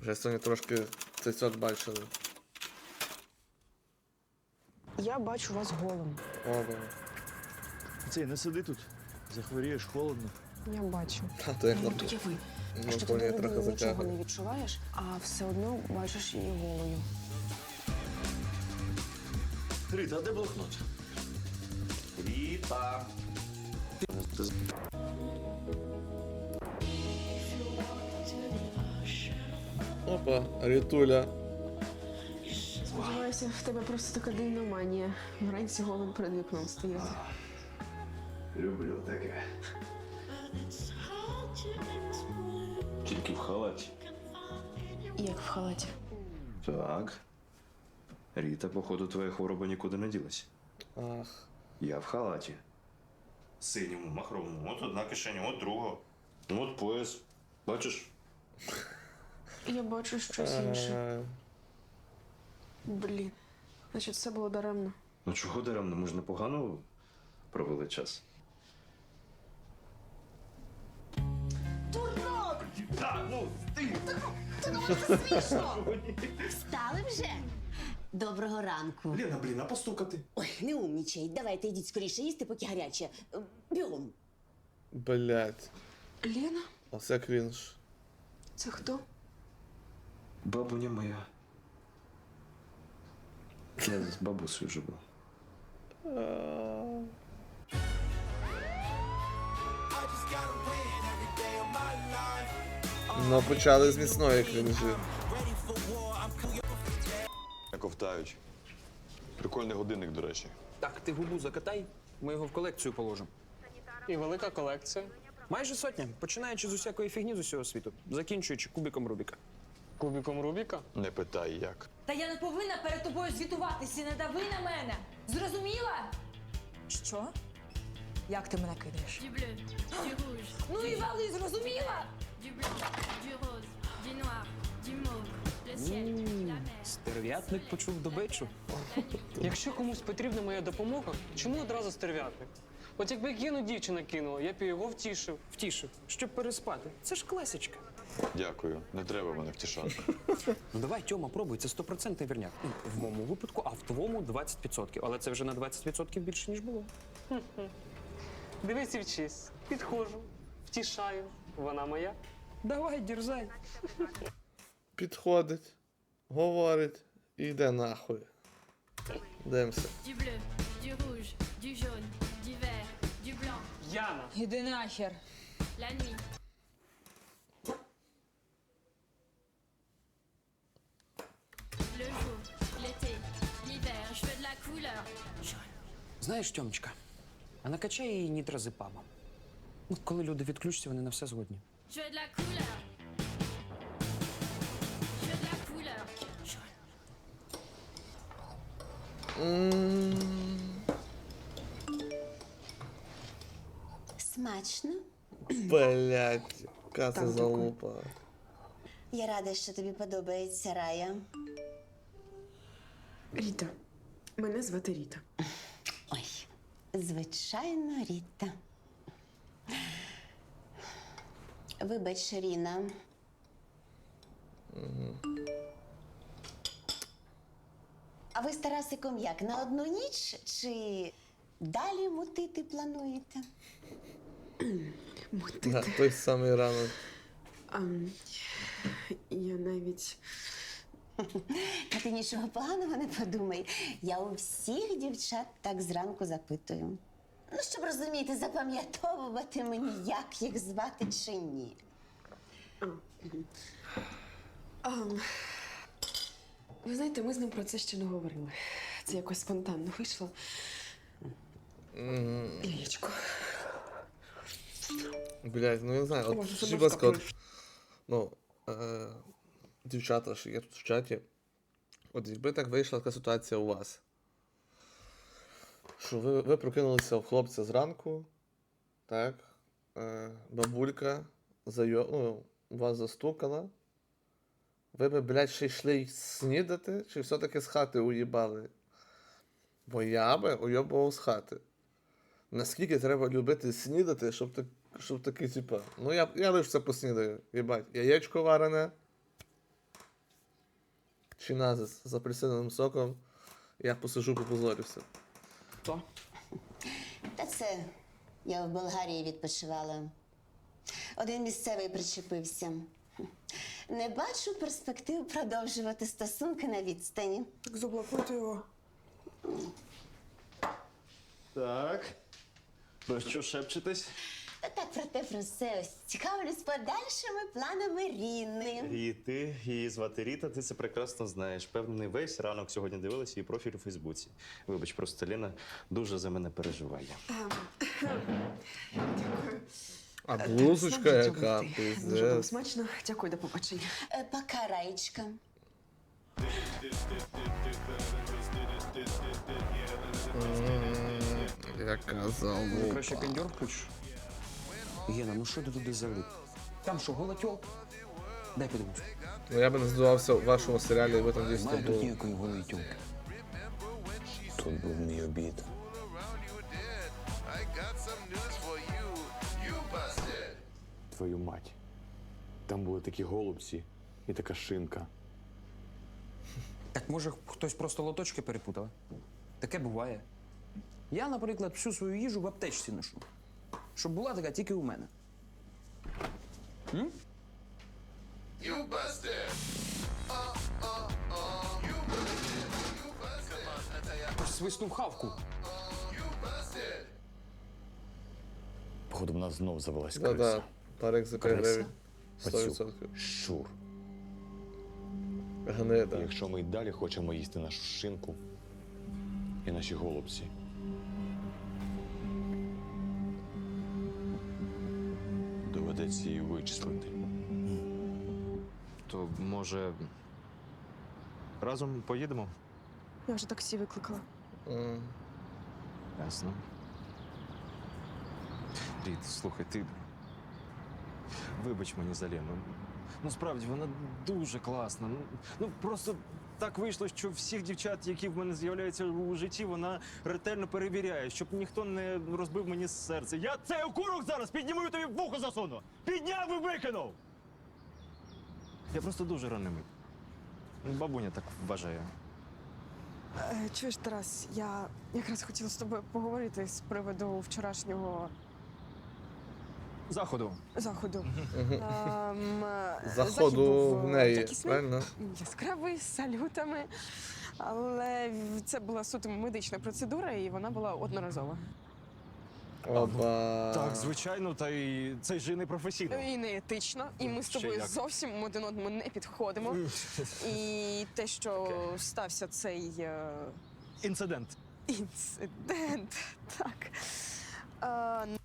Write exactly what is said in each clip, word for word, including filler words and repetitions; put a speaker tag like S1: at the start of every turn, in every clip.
S1: Вже сьогодні трошки цицьок бачили.
S2: Я бачу вас голим.
S1: Оба.
S3: Цей, не сиди тут. Захворієш, холодно.
S2: Я бачу.
S1: Та то як
S2: Ну,
S1: на
S2: от уяви,
S1: ну,
S2: що ти
S1: коні
S2: до
S1: трохи
S2: людини нічого
S1: затягує.
S2: не відчуваєш, а все одно бачиш її голою.
S3: Рита, а де блокнот?
S4: Ріта.
S1: Опа, Рітуля.
S2: Сподіваюся, в тебе просто така дивна манія. Вранці голим перед вікном стояти.
S3: Люблю таке.
S4: Тільки в халаті.
S2: Як в халаті.
S4: Так. Ріта, походу, твоя хвороба нікуди не ділась.
S1: Ах.
S4: Я в халаті. Синьому, махровому. От одна кишеня, от друга. Ну от пояс. Бачиш?
S2: Я бачу щось інше.
S1: Е,
S2: Блін. Значить, все було даремно.
S4: Ну чого даремно? Ми ж непогано провели час.
S5: Так, ну, ти!
S6: Встали вже? Доброго ранку.
S5: Лена, блін, а постукати?
S6: Ой, не умнічай. Давайте йдіть скоріше їсти, поки гаряче. Е, Бігом.
S1: Блять.
S2: Лена?
S1: Оце крінж.
S2: Це хто?
S4: Бабуня моя. Я з бабусею живу.
S1: Ну, почали з міцної крінжі.
S7: Ковтають. Прикольний годинник, до речі.
S8: Так, ти губу закатай, ми його в колекцію положимо.
S9: І велика колекція.
S8: Майже сотня, починаючи з усякої фігні з усього світу, закінчуючи кубиком Рубіка.
S9: Кубіком Рубіка.
S7: Не питай, як.
S10: Та я не повинна перед тобою звітуватися, не дави на мене. Зрозуміла? Що? Як ти мене кидаєш?
S11: Du bleu, du rouge,
S10: Ну і вали, зрозуміла?
S11: du blanc, du rose, du noir, du mauve, le ciel, la mer.
S8: Стерв'ятник почув добичу.
S9: Якщо комусь потрібна моя допомога, чому одразу стерв'ятник? От якби Гену дівчина кинула, я б і його втішив.
S8: Втішив, щоб переспати. Це ж класичка.
S7: Дякую. Не треба мене втішати.
S8: Ну давай, Тьома, пробуй, це стопроцентний вірняк. Ну, в моєму випадку, а в твоєму двадцять відсотків. Але це вже на двадцять відсотків більше, ніж було.
S9: Дивись і вчись. Підходжу, втішаю. Вона моя.
S8: Давай, дірзай.
S1: Підходить, говорить і йде нахуй. Дивимося.
S11: Du bleu, du rouge, du jaune, du vert, du blanc,
S9: Яна.
S10: Іди нахер.
S11: la nuit. Le jour, l'été, l'hiver, je veux de la couleur.
S8: Знаєш, Тьомочка, а накачай її нітразепамом. Ну, коли люди відключаться, вони на все згодні.
S11: Je veux de la couleur. Je veux de la couleur.
S6: Смачно.
S1: Блять, яка це
S2: Так,
S1: залупа.
S6: Я рада, що тобі подобається Рая.
S2: Ріта. Мене звати Ріта.
S6: Ой, звичайно, Ріта. Вибач, Ріна. А ви з Тарасиком як, на одну ніч чи далі мутити плануєте?
S1: На той самий ранок.
S2: А, я навіть...
S6: Та ти нічого поганого не подумай. Я у всіх дівчат так зранку запитую. Ну, щоб розуміти, запам'ятовувати мені, як їх звати чи ні.
S2: А, ви знаєте, ми з ним про це ще не говорили. Це якось спонтанно вийшло. Яєчко.
S1: Блять, ну я не знаю, от
S2: Може,
S1: скажіть,
S2: це
S1: будь ласка, от,
S2: можна
S1: ну, е, дівчата, що є тут в чаті, от якби так вийшла така ситуація у вас, що ви, ви прокинулися в хлопця зранку, так, е, бабулька зайо, ну, вас застукала, ви би, блядь, ще йшли й снідати, чи все-таки з хати уїбали? Бо я би уйобував з хати. Наскільки треба любити снідати, щоб, так, щоб такий, типа, ну я, я лише це поснідаю, їбать, яєчко варене, чиназис з апельсиновим соком. Я посижу, попозорюся.
S2: Що?
S6: Та це я в Болгарії відпочивала. Один місцевий причепився. Не бачу перспектив продовжувати стосунки на відстані.
S2: Так заблокуйте його.
S5: Так. Про що шепчетесь?
S6: Та так про те про все. Ось цікавлюсь подальшими планами Ріни.
S4: Ріти, її звати Ріта, ти це прекрасно знаєш. Певний весь ранок сьогодні дивилась її профіль у Фейсбуці. Вибач, просто Ліна дуже за мене переживає.
S2: Дякую.
S1: А блузочка яка,
S2: Дуже було
S1: пиздець.
S2: смачно. Дякую, до побачення.
S6: Е, Пока, Раєчка.
S1: Яка
S8: Ну,
S1: залупа.
S8: краще кондьор включиш. Гена, ну що ти туди залип? Там що, гола тьолка? Дай подивлюсь.
S1: Ну я би не здивувався в вашому серіалі, якби там дійсно
S8: Немає тут
S1: було.
S8: ніякої голої тьолки. Тут був мій обід.
S7: Твою мать. Там були такі голубці і така шинка.
S8: Так може хтось просто лоточки перепутав? Таке буває. Я, наприклад, всю свою їжу в аптечці ношу. Щоб була така тільки у мене. М? Аж свиснув хавку.
S7: Походу, в нас знов завелась
S1: Да-да,
S7: криса.
S1: парик за п'ять
S7: Криса?
S1: гривень. сто
S7: Пацюк.
S1: відсотків.
S7: Щур.
S1: Гнида.
S7: Якщо ми й далі хочемо їсти нашу шинку і наші голубці, доведеться її вичислити.
S4: То, може, разом поїдемо?
S2: Я вже таксі викликала.
S1: М.
S4: Ясно. Рід, слухай, ти. Вибач мені за Лену. Ну, справді, вона дуже класна. Ну, ну просто так вийшло, що всіх дівчат, які в мене з'являються у житті, вона ретельно перевіряє, щоб ніхто не розбив мені серце. Я цей окурок зараз підніму і тобі в вухо засуну! Підняв і викинув! Я просто дуже ранимий. Бабуня так вважає.
S2: Е, чуєш, Тарас, я якраз хотіла з тобою поговорити з приводу вчорашнього
S4: Заходу.
S2: заходу. Ем, е, захід
S1: Заходу
S2: був,
S1: в
S2: е,
S1: неї,
S2: якісний,
S1: правильно?
S2: яскравий, з салютами. Але це була суто медична процедура, і вона була одноразова.
S1: Опа.
S4: Так, звичайно, та й це ж і не професійно.
S2: І не етично, і ми з
S4: Ще
S2: тобою
S4: як.
S2: зовсім один одному не підходимо. І те, що стався цей е,
S4: Інцидент.
S2: інцидент, так. Е,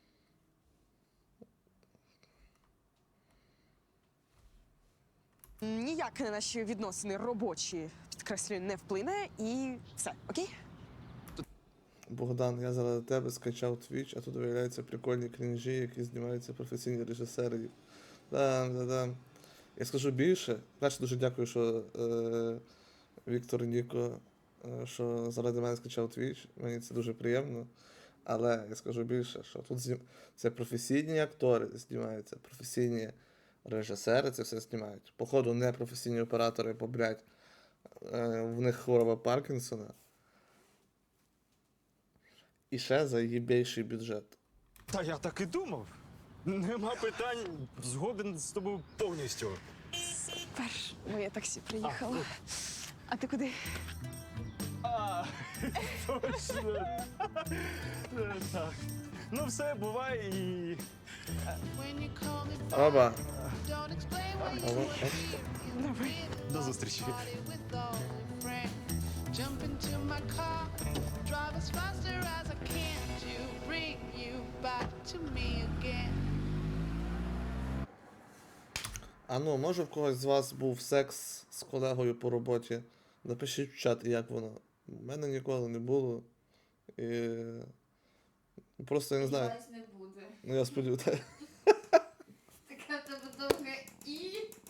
S2: ніяк на наші відносини робочі, підкреслюю, не вплине, і все, окей?
S1: Богдан, я заради тебе скачав Twitch, а тут виявляються прикольні крінжі, які знімаються професійні режисери. Да, да, да. Я скажу більше. Перше, дуже дякую, що е, Віктор Ніко, е, що заради мене скачав Twitch. Мені це дуже приємно. Але я скажу більше, що тут знім... це професійні актори знімаються, професійні режисери це все знімають. Походу, не професійні оператори, бо, блядь, е, в них хвороба Паркінсона. І ще за їбейший бюджет.
S4: Та я так і думав. Нема питань, згоден з тобою повністю.
S2: Супер, моє таксі приїхало. А ти куди?
S4: А, точно. Так. Ну все, буває і.
S1: Оба.
S4: До зустрічі.
S11: Jump into my car, drive as faster as I can to bring you back to me again.
S1: А ну, може в когось з вас був секс з колегою по роботі? Напишіть в чат, як воно. У мене ніколи не було. І... Просто я не знаю.
S11: не буде.
S1: Ну я сподіваюся.
S11: Така в тебе довге і.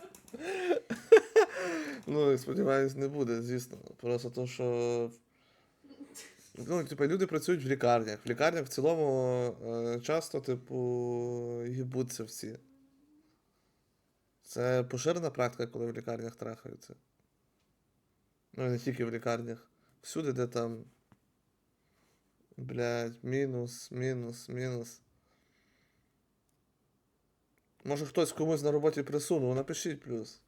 S1: Ну, я сподіваюсь, не буде, звісно. Просто то, що. Ну, типу, люди працюють в лікарнях. В лікарнях в цілому е, часто, типу, їбуться всі. Це поширена практика, коли в лікарнях трахаються. Ну, і не тільки в лікарнях. Всюди, де там. Блядь, мінус, мінус, мінус. Може хтось комусь на роботі присунув, напишіть плюс.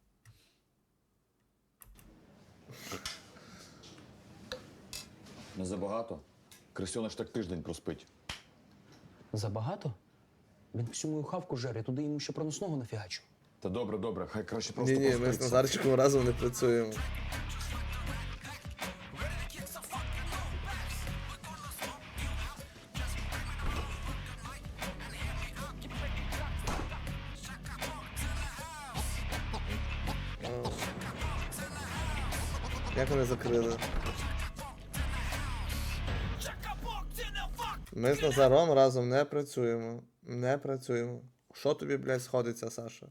S7: Не забагато. Крисьониш так тиждень проспить.
S8: Забагато? Він всю мою хавку жере, туди йому ще проносного нафігачу.
S7: Та добре, добре, хай краще просто
S1: Ні-ні, ми з
S7: проспиться.
S1: Назарчиком разом не працюємо. О. Як вони закрили? Ми з Назаром разом не працюємо. Не працюємо. Що тобі, блядь, сходиться, Саша?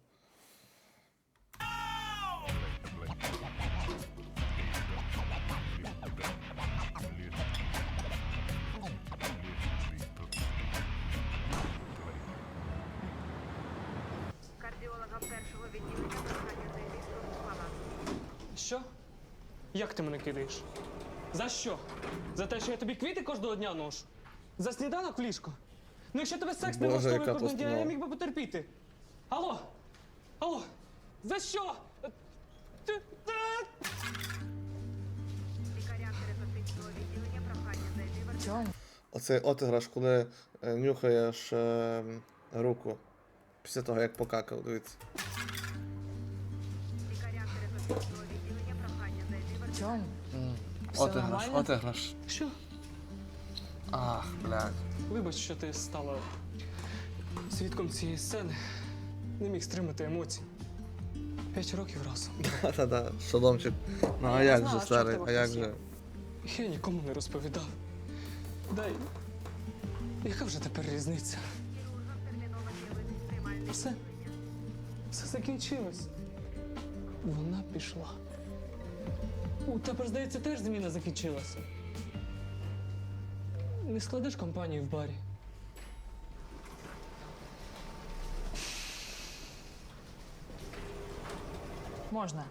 S9: Що? Як ти мене кидаєш? За що? За те, що я тобі квіти кожного дня ношу? За сніданок в ліжко? Ну якщо тебе секс не
S1: Боже,
S9: влаштовує
S1: яка
S9: кожного дня, я
S1: постанова.
S9: міг би потерпіти. Алло? Алло? За що? Ти- та-
S1: Оцей отиграш, коли е, нюхаєш е, руку. Після того, як покакав, дивіться. Отиграш, отиграш.
S9: Що?
S1: Ах, блядь.
S9: Вибач, що ти стала свідком цієї сцени. Не міг стримати емоцій. П'ять років разом.
S1: Та-та-та, шоломчик. Ну а
S2: Я
S1: як
S2: знала,
S1: же,
S2: що в
S1: старий,
S2: тебе
S1: а як
S2: хтось є.
S1: же?
S9: Я нікому не розповідав. Дай. Яка вже тепер різниця? Все. Все закінчилось. Вона пішла. У тебе, здається, теж зміна закінчилася. Не складеш компанію в барі.
S10: Можна.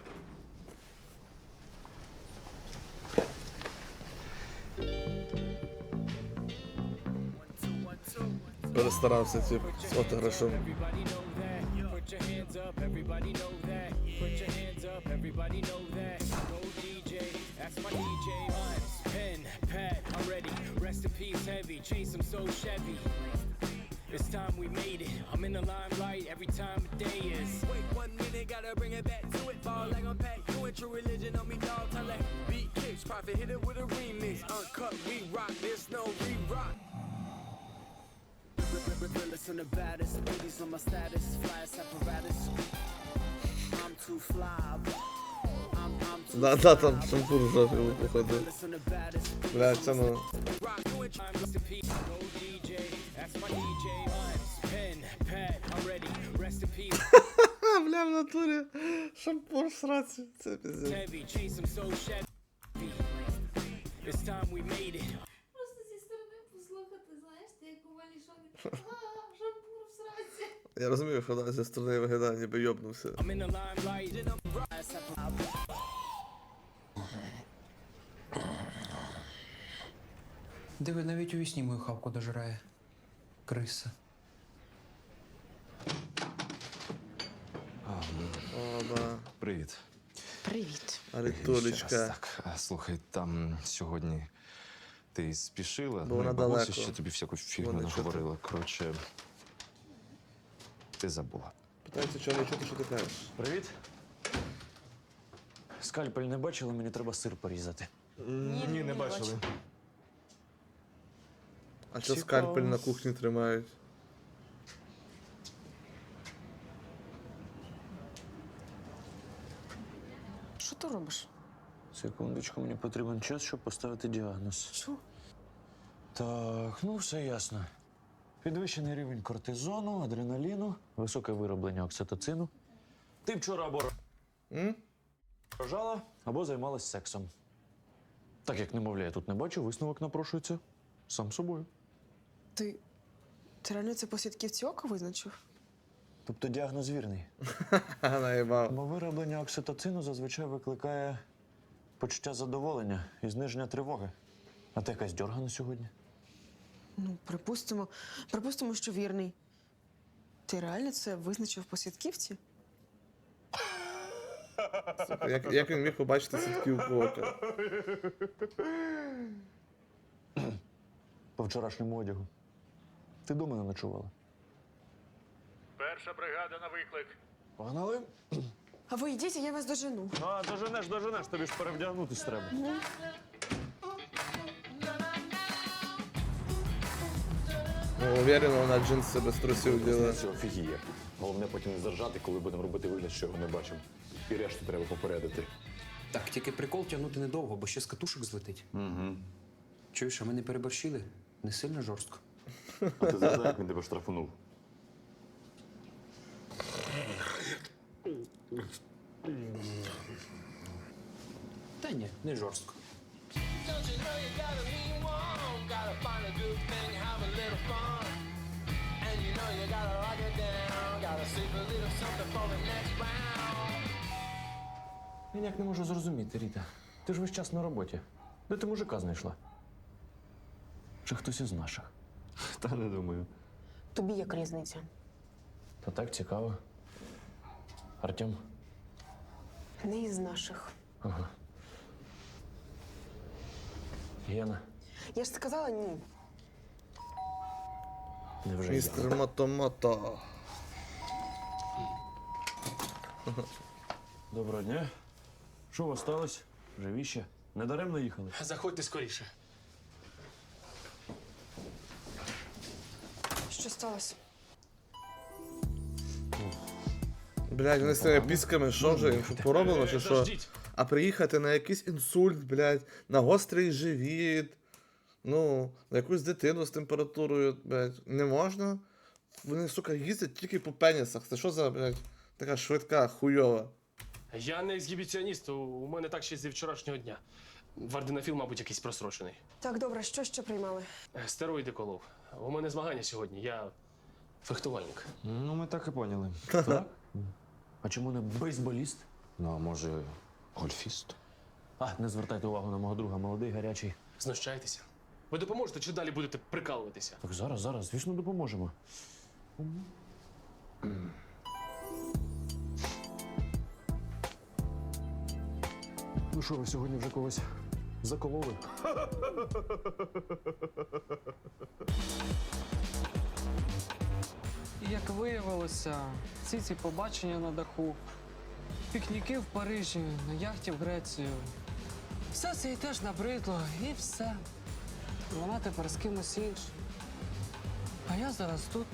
S1: Перестарався, тип, з отиграшем.
S12: It's time we made it. I'm in the limelight every time of day is. Wait one minute, gotta bring it back to it. Ball like I'm Pat, you ain't true religion on me, dog. Tell that beat kicks, profit hit it with a remix. Uncut, we rock, there's no re-rock. Listen the baddest, ladies on my status, flyest apparatus. I'm too fly. I'm, I'm too
S1: Да, да, там шампур жовтий походив.
S12: Listen the baddest.
S1: Блядь, це ну.
S12: Rock, you ain't trying to be no ді джей. That's my ді джей. Pen, pad, I'm ready. Rest in peace.
S1: Ха, бля, в натурі. Шампур в сраці. Це пиздець.
S12: Heavy, chase him so Chevy. It's time we made it.
S11: Просто зі сторони послухати, знаєш, ти як у валі шокі. А, шампур в сраці.
S1: Я розумію, що вона зі сторони виглядає, ніби йобнувся.
S12: I'm in the limelight and I'm rise.
S8: Диви, навіть у вісні мою хавку дожирає. Криса.
S1: О, да.
S4: Привіт.
S2: Привіт.
S4: Ще раз,
S1: Аритулечка.
S4: так, а, слухай, там сьогодні ти спішила,
S1: Бо
S4: ну, і
S1: вона
S4: бабуся
S1: далеко.
S4: ще тобі всяку фігню
S1: Вона чути.
S4: наговорила. Коротше, ти забула.
S1: Питається, чого не чути, що ти кажеш.
S3: Привіт. Скальпель не бачили, мені треба сир порізати.
S4: Ні,
S2: ні,
S4: не бачили.
S2: бачу.
S1: А що
S3: Цікаво.
S1: скальпель на кухні тримають?
S2: Що ти робиш?
S3: Секундочку, мені потрібен час, щоб поставити діагноз.
S2: Що?
S3: Так, ну все ясно. Підвищений рівень кортизону, адреналіну, високе вироблення окситоцину. Ти вчора або
S1: М?
S3: рожала, або займалась сексом. Так як немовля я тут не бачу, висновок напрошується сам собою.
S2: Ти. Ти реально це по сітківці ока визначив?
S3: Тобто діагноз вірний.
S1: Ха, наїбав.
S3: Бо вироблення окситоцину зазвичай викликає почуття задоволення і зниження тривоги. А ти якась дьоргана сьогодні?
S2: Ну, припустимо, припустимо, що вірний. Ти реально це визначив по свідківці?
S1: Слухай, Як, як він міг побачити сітківку ока?
S3: По вчорашньому одягу. Ти дома не ночувала?
S12: Перша бригада на виклик.
S3: Погнали?
S2: А ви йдіть, а я вас дожену.
S3: А, доженеш, доженеш, тобі ж перевдягнутись треба.
S1: Ну, уверено, вона джинси без трусів діла.
S7: Це офігіє. Головне потім не заржати, коли будемо робити вигляд, що його не бачимо. І решту треба попередити.
S8: Так, тільки прикол тягнути недовго, бо ще з катушок злетить.
S7: Угу.
S8: Чуєш, а ми не переборщили? Не сильно жорстко.
S7: А ти згадай, як він тебе штрафунув.
S8: Та ні, не жорстко.
S12: Don't you know you got a mean one? Gotta find a good thing, have a little fun. And you know you gotta lock it down. Gotta save a little something for the next round.
S3: Я ніяк не можу зрозуміти, Ріта. Ти ж весь час на роботі. Де ти мужика знайшла? Чи хтось із наших?
S7: Та не думаю.
S2: Тобі як різниця?
S3: Та так цікаво. Артем?
S2: Не із наших.
S3: Ага. Яна?
S2: Я ж сказала ні.
S3: Невже я?
S1: Містер Мото-Мото.
S3: Доброго дня. Що у вас сталося? Живі ще? Недаремно їхали?
S9: Заходьте скоріше.
S2: Що сталося?
S1: Блядь, вони з тими пісками, що вже їм що пороблено, чи що?
S9: Дождіть.
S1: А приїхати на якийсь інсульт, блядь, на гострий живіт, ну, на якусь дитину з температурою, блядь, не можна. Вони, сука, їздять тільки по пенісах. Це що за, блядь, така швидка, хуйова?
S9: Я не ексгібіціоніст, у- у мене так ще зі вчорашнього дня. Варденофіл, мабуть, якийсь просрочений.
S2: Так, добре, що ще приймали?
S9: Е, Стероїди колов. У мене змагання сьогодні, я фехтувальник.
S4: Ну, ми так і поняли.
S3: Так? А чому не бейсболіст?
S7: Ну, а може, гольфіст?
S3: А, не звертайте увагу на мого друга, молодий, гарячий.
S9: Знущайтеся. Ви допоможете чи далі будете прикалуватися?
S3: Так зараз, зараз, звісно, допоможемо. Ну що, ви сьогодні вже когось закололи?
S9: Як виявилося, всі ці побачення на даху, пікніки в Парижі, на яхті в Грецію. Все це їй теж набридло, і все. Вона тепер з кимось іншим. А я зараз тут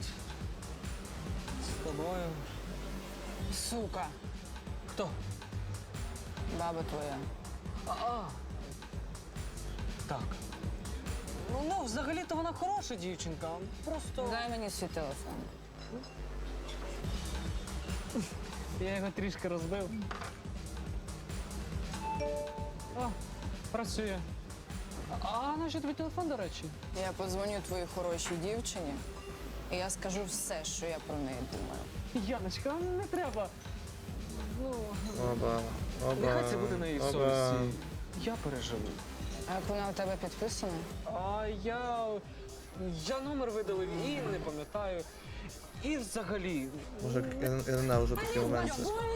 S9: з тобою.
S10: Сука,
S9: Хто?
S10: баба твоя.
S9: А, а. Так. Ну, ну, взагалі-то вона хороша дівчинка. Просто.
S10: Дай мені свій телефон.
S9: Я його трішки розбив. О, працює. А, а на що тобі телефон, до речі?
S10: Я подзвоню твоїй хорошій дівчині, і я скажу все, що я про неї думаю.
S9: Яночка, не треба. Ну,
S1: Оба, оба,
S9: нехай це буде на її
S1: оба.
S9: совісті. Я переживу.
S10: А як вона у тебе підписана?
S9: А я. Я номер видалив і не пам'ятаю. І взагалі.
S1: Може, я, я ненавижу такі моменти.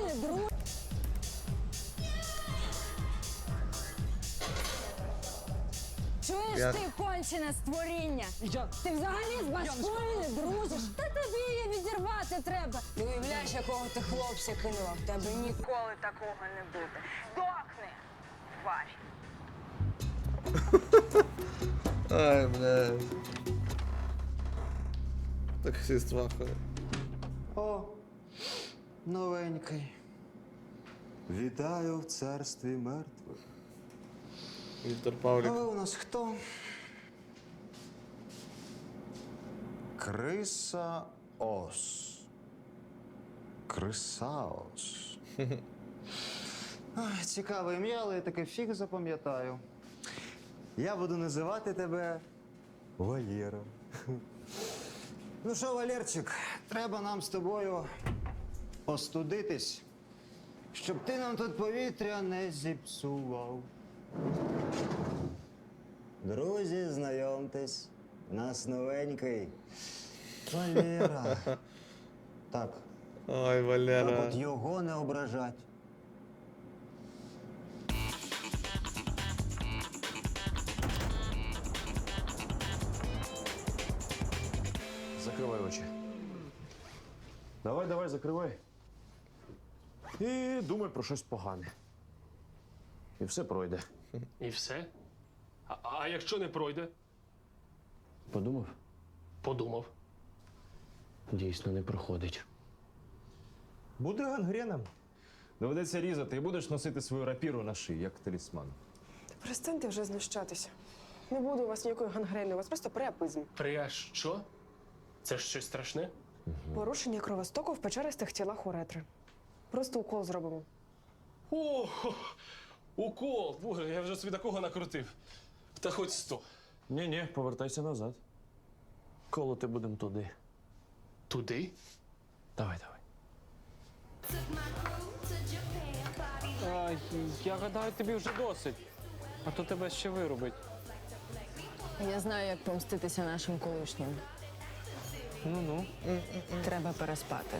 S10: Чуєш
S1: Я-
S10: ти, кончене створіння?
S9: Я.
S10: Ти взагалі з башкою не дружиш? Та тобі її відірвати треба. Ти уявляєш, якого ти хлопця кинула? В тебе ніколи такого не буде. Здохни, тварь.
S1: Ай, блядь. Таксист вахує.
S4: О, новенький. Вітаю в царстві мертвих.
S1: Віктор
S4: А
S1: Павлік.
S4: ви у нас хто? Криса Ос. Крисаос. Ах, цікаве ім'я, але я таке фіг запам'ятаю. Я буду називати тебе Валєра. Ну що, Валерчик, треба нам з тобою остудитись, щоб ти нам тут повітря не зіпсував.
S13: Друзі, знайомтесь, у нас новенький. Валера. Так,
S1: Ой,
S13: так
S1: Валера.
S13: от його не ображать.
S3: Закривай очі. Давай, давай, закривай. І думай про щось погане. І все пройде.
S14: І все? А, а якщо не пройде?
S3: Подумав?
S14: Подумав.
S3: Дійсно не проходить.
S4: Буде гангрена. Доведеться різати і будеш носити свою рапіру на шиї, як талісман.
S2: Перестаньте вже знущатися. Не буде у вас ніякої гангрени, у вас просто приапизм.
S14: При що? Це ж щось страшне?
S2: Порушення кровостоку в печеристих тілах уретри. Просто укол зробимо.
S14: О, укол! Боже, я вже собі такого накрутив. Та хоч сто.
S3: Ні-ні, повертайся назад. Колоти будемо туди.
S14: Туди?
S3: Давай, давай.
S9: А, я гадаю, тобі вже досить. А то тебе ще вирубить.
S10: Я знаю, як помститися нашим колишнім.
S9: Ну-ну.
S10: Треба переспати.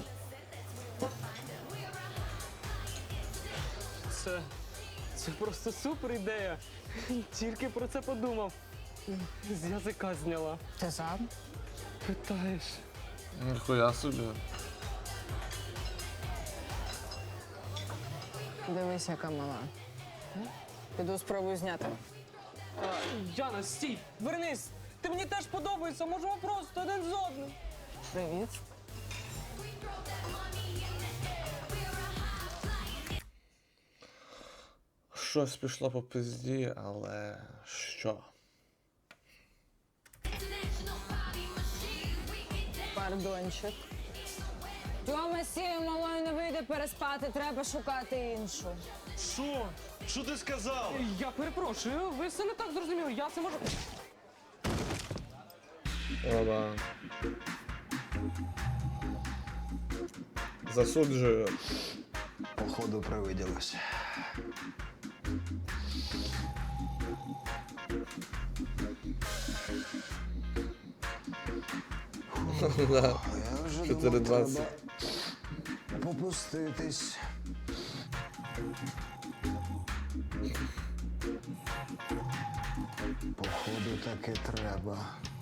S9: Це. Це просто супер ідея. Тільки про це подумав. З язика зняла.
S10: Ти сам?
S9: Питаєш.
S1: Ніхуя собі.
S10: Дивись, яка мала. Піду спробую зняти.
S9: А, Яна, стій! Вернись! Ти мені теж подобаєшся, можемо просто один з одним.
S10: Привіт.
S1: Щось пішло по пизді, але що?
S10: Пардончик. Тьома з цією малою не вийде переспати, треба шукати іншу.
S4: Що? Що ти сказав?
S9: Я перепрошую, ви все не так зрозуміли. Я це можу.
S1: Оба. Засуджую.
S13: Походу привиділося.
S1: Да.
S13: Я вже
S1: чотири
S13: думав,
S1: двадцять.
S13: треба попуститись. Походу таки треба.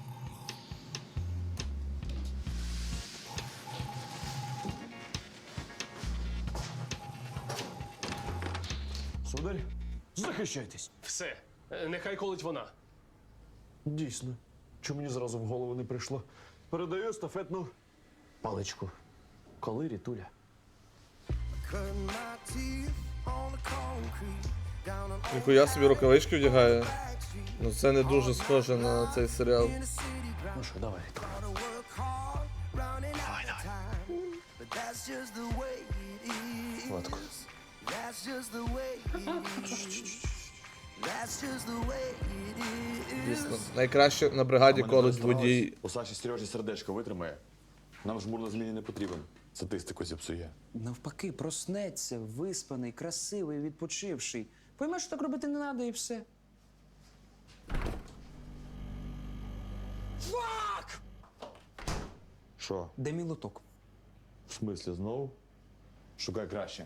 S3: Сударь, захищайтесь.
S14: Все. Е, Нехай колить вона.
S3: Дійсно. Чому мені зразу в голову не прийшло? Передаю естафетну паличку. Коли Рітуля?
S1: Ніхуя собі рукавички вдягає. Ну це не дуже схоже на цей серіал.
S3: Ну що, давай, Рітуля. Давай, давай. Гладко.
S1: Дійсно. Найкраще на бригаді колить водій.
S7: У Саші Сережі сердечко витримає. Нам жмур на зміні не потрібен. Статистику зіпсує.
S8: Навпаки, проснеться, виспаний, красивий, відпочивший. Поймеш, що так робити не треба і все. Фак!
S7: Що?
S8: Де мій лоток?
S7: В смислі знову? Шукай краще.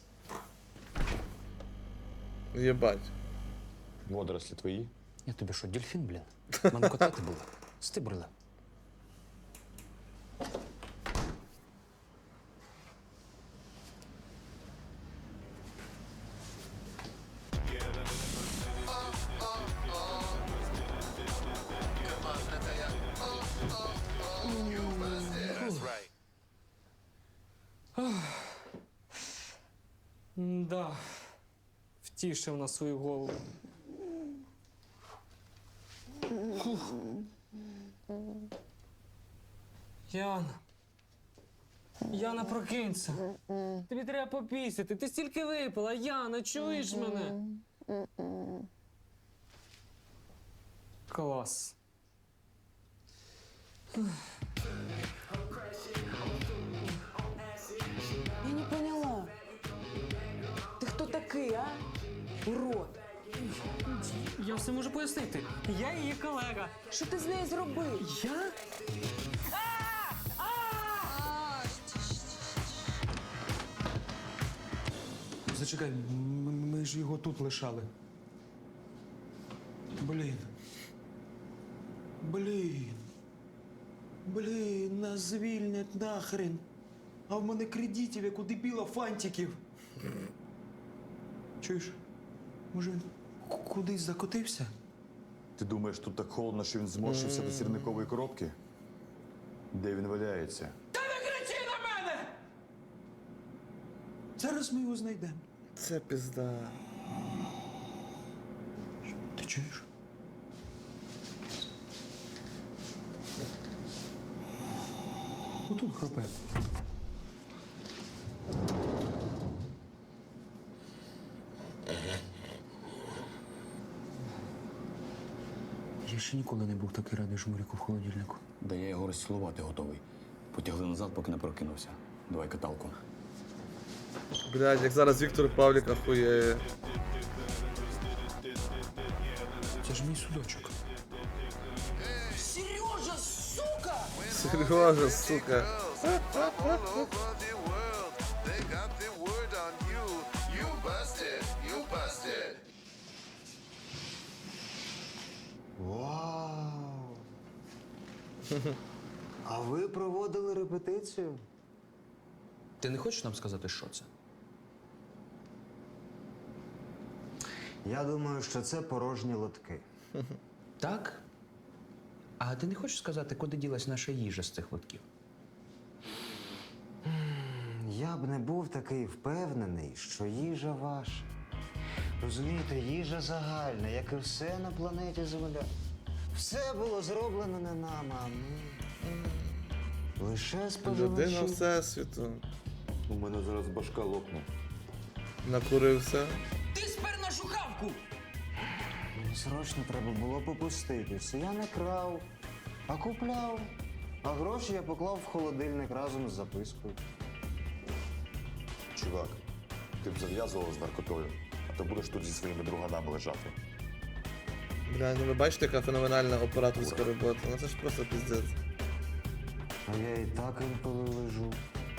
S1: Єбать.
S7: Водорослі твої.
S8: Я тобі що, дельфін, блін? Мене котати були. Стибрили.
S9: Да. Втішив на свою голову. Фух. Яна. Яна, прокинься. Тобі треба попісяти. Ти стільки випила. Яна, чуєш мене? Клас.
S10: Я не поняла. Ти хто такий, а? Урод.
S9: все можу пояснити. Я її колега.
S10: Що ти з нею зробив?
S9: Я?
S8: Зачекай, м- ми ж його тут лишали. Блін. Блін. Блін, нас звільнять нахрен. А в мене кредитів, як у дебіла, фантиків. Чуєш? Може він к- кудись закотився?
S7: Ти думаєш, тут так холодно, що він зморщився до сірникової коробки? Де він валяється?
S8: Та не кричи на мене! Зараз ми його знайдемо.
S1: Це пізда.
S8: Ти чуєш? Отут хропе. Я ще ніколи не був такий радий жмуріку в холодильнику.
S15: Да я його розцілувати готовий. Потягли назад, поки не прокинувся. Давай каталку.
S1: Блядь, як зараз Віктор Павлік ахуєє.
S8: Це ж мій судочок.
S10: Сережа, сука!
S1: Сережа, сука.
S13: Вау! А ви проводили репетицію?
S8: Ти не хочеш нам сказати, що це?
S13: Я думаю, що це порожні лотки.
S8: Так? А ти не хочеш сказати, куди ділась наша їжа з цих лотків?
S13: Я б не був такий впевнений, що їжа ваша. Розумієте, їжа загальна, як і все на планеті Земля. Все було зроблено не нами, а ми. Лише
S1: Людина
S13: споживачі.
S1: Всесвіту.
S7: У мене зараз башка лопне.
S1: Накурився.
S10: Ти спер нашу хавку!
S13: Мені срочно треба було попуститися. Я не крав, а купляв. А гроші я поклав в холодильник разом з запискою.
S7: Чувак, ти б зав'язував з наркотою, а то будеш тут зі своїми друганами лежати.
S1: Бля, ну ви бачите, яка феноменальна операторська робота. Ну це ж просто піздець.
S13: А я і так інколи лежу.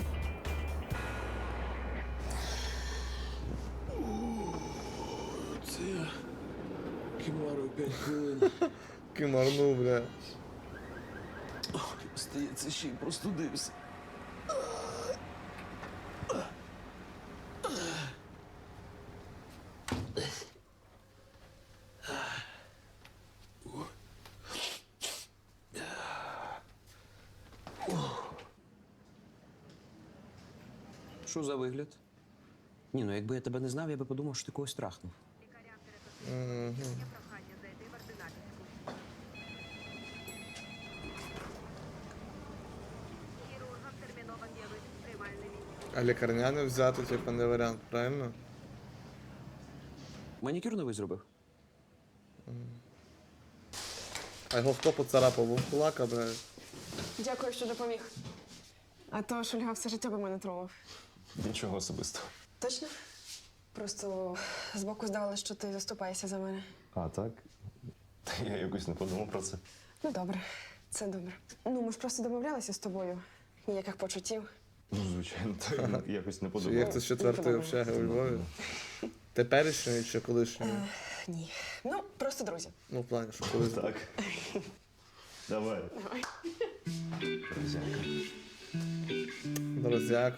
S14: Це я кимарив п'ять хвилин.
S1: Кимарнув, бля.
S14: Здається, ще й простудився.
S8: Що за вигляд? Ні, ну якби я тебе не знав, я би подумав, що ти когось трахнув.
S1: Мгм. А лікарняне взяти, типу, не варіант, правильно?
S8: Манікюр новий зробив?
S1: А його хто поцарапав? Вовкулака, бля.
S2: Дякую, що допоміг. А то Шульга все життя би мене тролив.
S4: Нічого особистого.
S2: Точно? Просто збоку здавалося, що ти заступаєшся за мене.
S4: А, так? Та я якось не подумав про це.
S2: Ну, добре, це добре. Ну, ми ж просто домовлялися з тобою. Ніяких почуттів.
S4: Ну, звичайно, так я якось не
S1: Чи
S4: подумав.
S1: як це з четвертої общаги у Львові? Теперішньої чи колишньої?
S2: Ні. Ну, просто друзі.
S1: Ну, в плані, що колись.
S4: Так. Давай.
S2: Давай.
S1: Друзяко.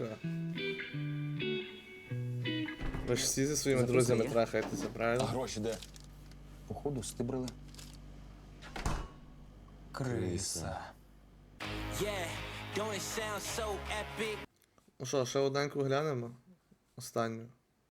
S1: Ви ж всі зі своїми
S8: Записи
S1: друзями
S8: є?
S1: трахаєтеся,
S8: А
S1: правильно?
S8: гроші де? Походу, стибрили. Криса.
S12: Yeah, don't it sound so epic?
S1: Ну що, ще одненьку глянемо? Останню.